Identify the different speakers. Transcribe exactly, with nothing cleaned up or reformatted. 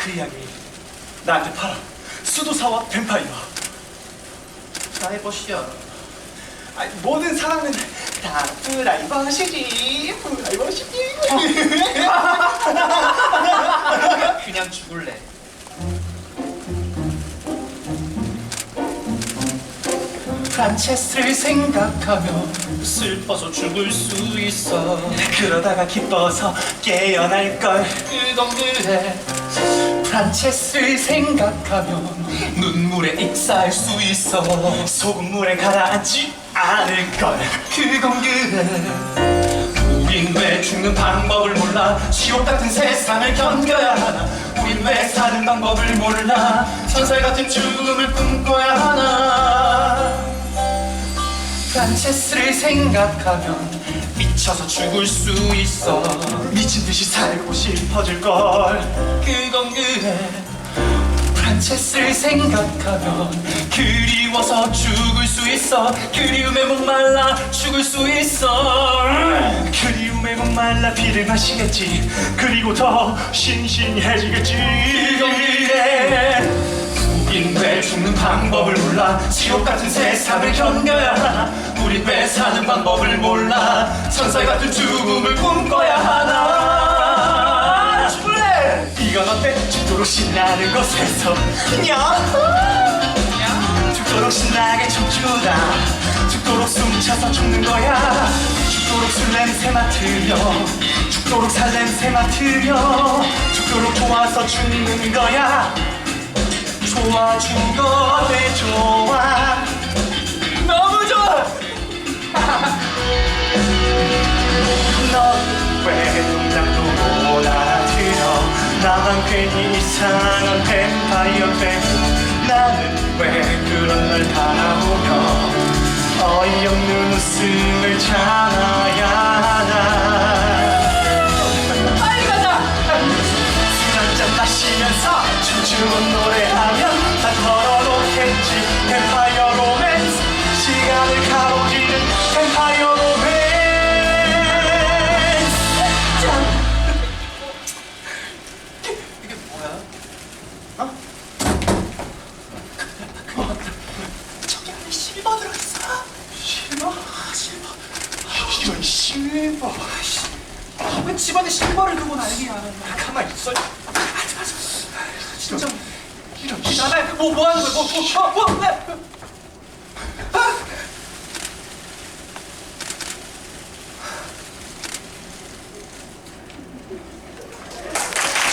Speaker 1: 그 이야기 나한테 팔아. 수도사와 뱀파이어.
Speaker 2: 프라이버시야.
Speaker 1: 아니, 모든 사랑은 다 프라이버시지. 프라이버시지.
Speaker 2: 그냥 죽을래.
Speaker 1: 프란체스를 생각하며
Speaker 2: 슬퍼서 죽을 수 있어.
Speaker 1: 그러다가 기뻐서 깨어날걸.
Speaker 2: 그건 그래.
Speaker 1: 프란체스를 생각하면
Speaker 2: 눈물에 익사할 수 있어.
Speaker 1: 소금물에 가라앉지 않을걸.
Speaker 2: 그건 그래. 우린 왜 죽는 방법을 몰라. 지옥 같은 세상을 견뎌야 하나. 우린 왜 사는 방법을 몰라. 천사 같은 죽음을 꿈꿔야 하나.
Speaker 1: 프란체스를 생각하면
Speaker 2: 미쳐서 죽을 수 있어.
Speaker 1: 미친 듯이 살고 싶어질걸.
Speaker 2: 그건 그래.
Speaker 1: 프란체스를 생각하면
Speaker 2: 그리워서 죽을 수 있어. 그리움에 목말라 죽을 수 있어.
Speaker 1: 그리움에 목말라 피를 마시겠지. 그리고 더 신신해지겠지.
Speaker 2: 그건 그래. 우린 왜 죽는 방법을 몰라. 지옥 같은 세상을 견뎌야 하나. 우린 왜 사는 방법을 몰라. 천사 같은 죽음을 꿈꿔야 하나.
Speaker 1: 죽을래. 이건 어때? 죽도록 신나는 곳에서 야 죽도록 신나게 춤추다. 죽도록 숨차서 죽는 거야. 죽도록 술 냄새 맡으며 죽도록 살 냄새 맡으며 죽도록 좋아서 죽는 거야. 좋아 죽어 내 좋아.
Speaker 2: 너무 좋아.
Speaker 1: 넌 왜 농담도 못 알아들어. 나만 괜히 이상한 뱀파이어 돼. 나는 왜 그런 널 바라보며 어이없는 웃음을 참아야 하나.
Speaker 2: 빨리 가자.
Speaker 1: 술 한잔 마시면서 춤추고 노래하면 다 털어놓겠지. 뱀파이어 로맨스. 시간을 가로지른 뱀파이어 로맨스. 짠.
Speaker 2: 이게 뭐야?
Speaker 1: 어? 저기 안에 실버 들어있어. 실버? 실버. 이런 실버.
Speaker 2: 왜 집안에 실버를 두고 난리야.
Speaker 1: 가만히 있어.
Speaker 2: 진짜.
Speaker 1: 이런
Speaker 2: 나나 뭐, 뭐 하는 거야? 뭐, 뭐, 뭐, 뭐, 뭐.